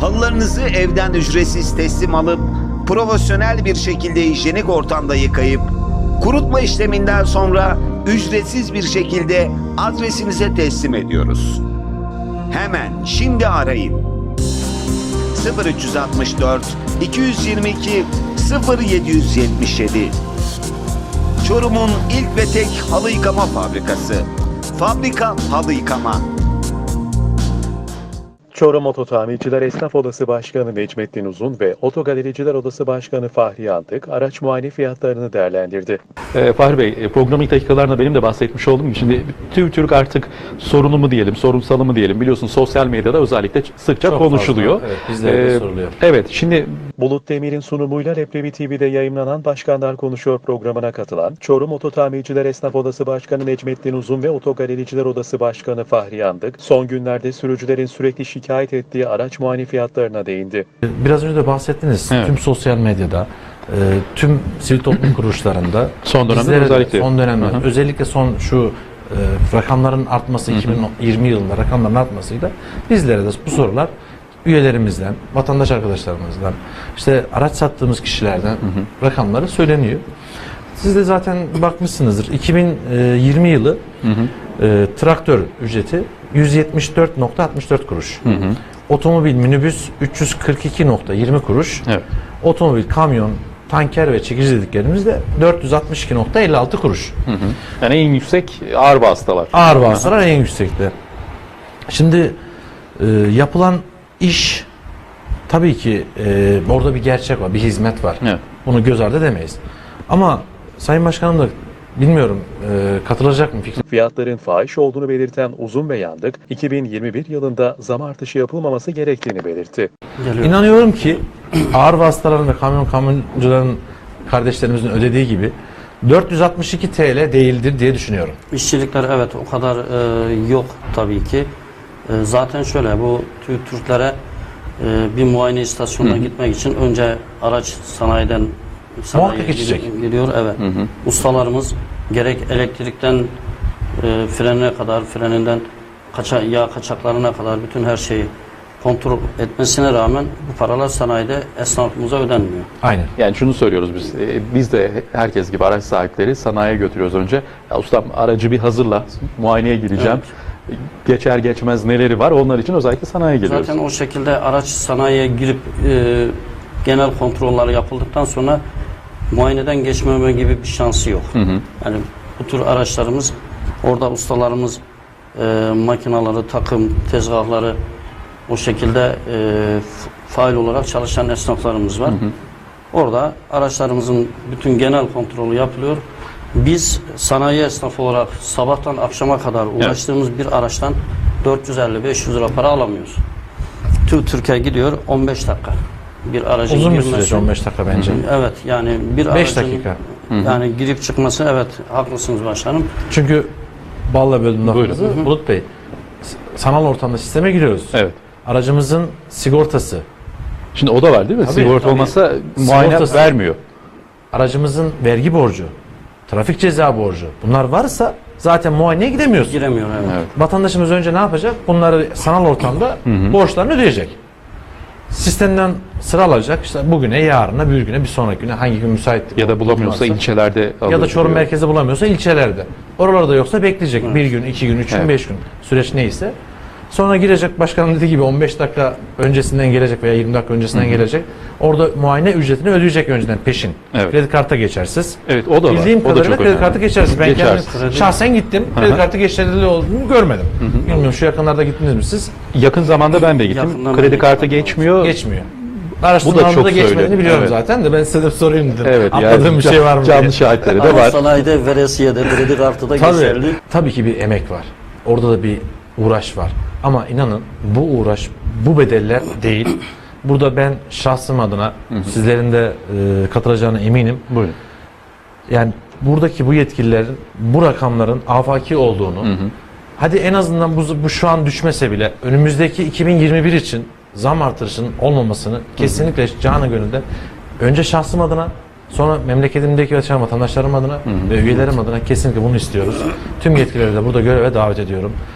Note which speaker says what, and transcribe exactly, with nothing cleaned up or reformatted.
Speaker 1: Halılarınızı evden ücretsiz teslim alıp profesyonel bir şekilde hijyenik ortamda yıkayıp kurutma işleminden sonra ücretsiz bir şekilde adresinize teslim ediyoruz. Hemen şimdi arayın. sıfır üç altı dört iki yüz yirmi iki sıfır yedi yüz yetmiş yedi. Çorum'un ilk ve tek halı yıkama fabrikası. Fabrika Halı Yıkama.
Speaker 2: Çorum Ototamirciler Esnaf Odası Başkanı Necmettin Uzun ve Otogalericiler Odası Başkanı Fahri Yandık araç muayene fiyatlarını değerlendirdi.
Speaker 3: Ee, Fahri Bey, e, programın ilk dakikalarında benim de bahsetmiş olduğum gibi şimdi tüm Türk artık sorunu mu diyelim, sorunsalı mı diyelim, biliyorsun sosyal medyada özellikle sıkça
Speaker 4: Çok
Speaker 3: konuşuluyor.
Speaker 4: fazla, evet, bizlere de
Speaker 3: Ee,
Speaker 4: soruluyor.
Speaker 3: Evet, şimdi
Speaker 2: Bulut Demir'in sunumuyla Leblebi T V'de yayımlanan Başkanlar Konuşuyor programına katılan Çorum Ototamirciler Esnaf Odası Başkanı Necmettin Uzun ve Otogalericiler Odası Başkanı Fahri Yandık, son günlerde sürücülerin sürekli şikayet ettiği araç muayene fiyatlarına değindi.
Speaker 4: Biraz önce de bahsettiniz.
Speaker 3: Evet.
Speaker 4: Tüm sosyal medyada, e, tüm sivil toplum kuruluşlarında
Speaker 3: Son dönemde
Speaker 4: bizlere de-
Speaker 3: özellikle.
Speaker 4: son dönemde
Speaker 3: Hı hı.
Speaker 4: özellikle son şu e, rakamların artması, iki bin yirmi yılında rakamların artmasıyla bizlere de bu sorular üyelerimizden, vatandaş arkadaşlarımızdan, işte araç sattığımız kişilerden rakamları söyleniyor. Siz de zaten bakmışsınızdır. iki bin yirmi yılı
Speaker 3: hı hı,
Speaker 4: e, traktör ücreti yüz yetmiş dört nokta altmış dört kuruş.
Speaker 3: hı hı,
Speaker 4: Otomobil minibüs üç yüz kırk iki nokta yirmi kuruş.
Speaker 3: evet.
Speaker 4: Otomobil, kamyon, tanker ve çekici dediklerimiz de dört yüz altmış iki nokta elli altı kuruş.
Speaker 3: Hı hı. Yani en yüksek ağır vasıtalar.
Speaker 4: Ağır vasıtalar en yüksekte. Şimdi e, yapılan iş tabii ki e, orada bir gerçek var, bir hizmet var.
Speaker 3: Evet.
Speaker 4: Bunu göz ardı edemeyiz. Ama Sayın Başkanım da bilmiyorum e, katılacak mı fikri?
Speaker 2: Fiyatların fahiş olduğunu belirten Uzun ve Yandık, iki bin yirmi bir yılında zam artışı yapılmaması gerektiğini belirtti.
Speaker 4: İnanıyorum ki ağır vasıtaların ve kamyon kamyoncuların kardeşlerimizin ödediği gibi dört yüz altmış iki TL değildir diye düşünüyorum.
Speaker 5: İşçilikler evet o kadar e, yok tabii ki. E, zaten şöyle bu Tü- Türklere e, bir muayene istasyonuna gitmek için önce araç sanayiden sanayiye
Speaker 4: Muhakkak geçecek.
Speaker 5: gid- gidiyor. Evet.
Speaker 3: Hı hı.
Speaker 5: Ustalarımız gerek elektrikten e, frenine kadar, freninden kaça, yağ kaçaklarına kadar bütün her şeyi kontrol etmesine rağmen bu paralar sanayide esnafımıza ödenmiyor.
Speaker 4: Aynen.
Speaker 3: Yani şunu söylüyoruz biz, e, biz de herkes gibi araç sahipleri sanayiye götürüyoruz önce. Ya ustam aracı bir hazırla, muayeneye gireceğim. Geçer geçmez neleri var onlar için özellikle sanayiye geliyoruz.
Speaker 5: Zaten o şekilde araç sanayiye girip e, genel kontrolleri yapıldıktan sonra muayeneden geçmeme gibi bir şansı yok.
Speaker 3: Hı hı.
Speaker 5: Yani bu tür araçlarımız orada ustalarımız e, makinaları, takım, tezgahları o şekilde e, faal olarak çalışan esnaflarımız var.
Speaker 3: Hı hı.
Speaker 5: Orada araçlarımızın bütün genel kontrolü yapılıyor. Biz sanayi esnafı olarak sabahtan akşama kadar uğraştığımız bir araçtan dört yüz elli beş yüz lira para alamıyoruz. Tüm Türkiye gidiyor on beş dakika. Bir aracın
Speaker 4: Uzun bir
Speaker 5: girmesi-
Speaker 4: süreç on beş dakika bence.
Speaker 5: Evet yani bir
Speaker 4: beş
Speaker 5: aracın
Speaker 4: dakika.
Speaker 5: yani girip çıkması evet haklısınız başkanım.
Speaker 4: Çünkü balla böldüm lafınızı.
Speaker 3: Buyurun.
Speaker 4: Bulut Bey, s- sanal ortamda sisteme giriyoruz.
Speaker 3: Evet.
Speaker 4: Aracımızın sigortası,
Speaker 3: Şimdi o da var değil mi?
Speaker 4: Tabii,
Speaker 3: Sigorta
Speaker 4: tabii.
Speaker 3: olmasa muayene
Speaker 4: Sigortası-
Speaker 3: vermiyor.
Speaker 4: aracımızın vergi borcu, trafik ceza borcu bunlar varsa zaten muayeneye gidemiyoruz.
Speaker 5: Giremiyor evet.
Speaker 3: Evet.
Speaker 4: Vatandaşımız önce ne yapacak? Bunları sanal ortamda borçlarını ödeyecek. Sistemden sıra alacak. İşte bugüne, yarına, bir güne, bir sonraki güne hangi gün müsait
Speaker 3: Ya da bulamıyorsa
Speaker 4: varsa.
Speaker 3: ilçelerde
Speaker 4: ya da
Speaker 3: alıyor.
Speaker 4: Çorum merkezi bulamıyorsa ilçelerde. Oralarda yoksa bekleyecek. Bir gün, iki gün, üç gün,
Speaker 3: Evet.
Speaker 4: beş gün süreç neyse. Sonra girecek başkanım dediği gibi on beş dakika öncesinden gelecek veya yirmi dakika öncesinden gelecek. Orada muayene ücretini ödeyecek önceden peşin.
Speaker 3: Evet.
Speaker 4: Kredi karta geçersiz.
Speaker 3: Evet o da var.
Speaker 4: Bildiğim
Speaker 3: O da
Speaker 4: kadarıyla
Speaker 3: çok
Speaker 4: kredi
Speaker 3: önemli.
Speaker 4: kartı geçersiz. Ben
Speaker 3: Geçersiz.
Speaker 4: kendim şahsen gittim. Kredi kartı geçerli olduğunu görmedim. Bilmiyorum şu yakınlarda gittiniz mi siz?
Speaker 3: Yakın zamanda ben de gittim.
Speaker 5: Yakından
Speaker 3: Kredi
Speaker 5: ben de
Speaker 3: kartı
Speaker 5: gittim.
Speaker 3: geçmiyor.
Speaker 4: Geçmiyor.
Speaker 3: Bu da
Speaker 4: Araştırmalarında
Speaker 3: çok
Speaker 4: da geçmediğini
Speaker 3: söyledi.
Speaker 4: biliyorum
Speaker 3: Evet.
Speaker 4: zaten de ben size de sorayım dedim.
Speaker 3: Evet,
Speaker 4: Atladığım
Speaker 3: yani
Speaker 4: bir şey var mı
Speaker 3: canlı
Speaker 4: diye.
Speaker 3: şahitleri de
Speaker 5: Ama
Speaker 3: var.
Speaker 5: sanayide veresiye de kredi kartı da
Speaker 4: Tabii,
Speaker 5: geçerli.
Speaker 4: tabii ki bir emek var. Orada da bir uğraş var. Ama inanın bu uğraş, bu bedeller değil. Burada ben şahsım adına sizlerin de e, katılacağına eminim.
Speaker 3: Buyurun.
Speaker 4: Yani buradaki bu yetkililerin bu rakamların afaki olduğunu, hadi en azından bu, bu şu an düşmese bile önümüzdeki iki bin yirmi bir için zam artırışının olmamasını kesinlikle canı gönülden önce şahsım adına, sonra memleketimdeki yaşayan vatandaşlarım adına ve üyelerim adına kesinlikle bunu istiyoruz. Tüm yetkilileri de burada göreve davet ediyorum.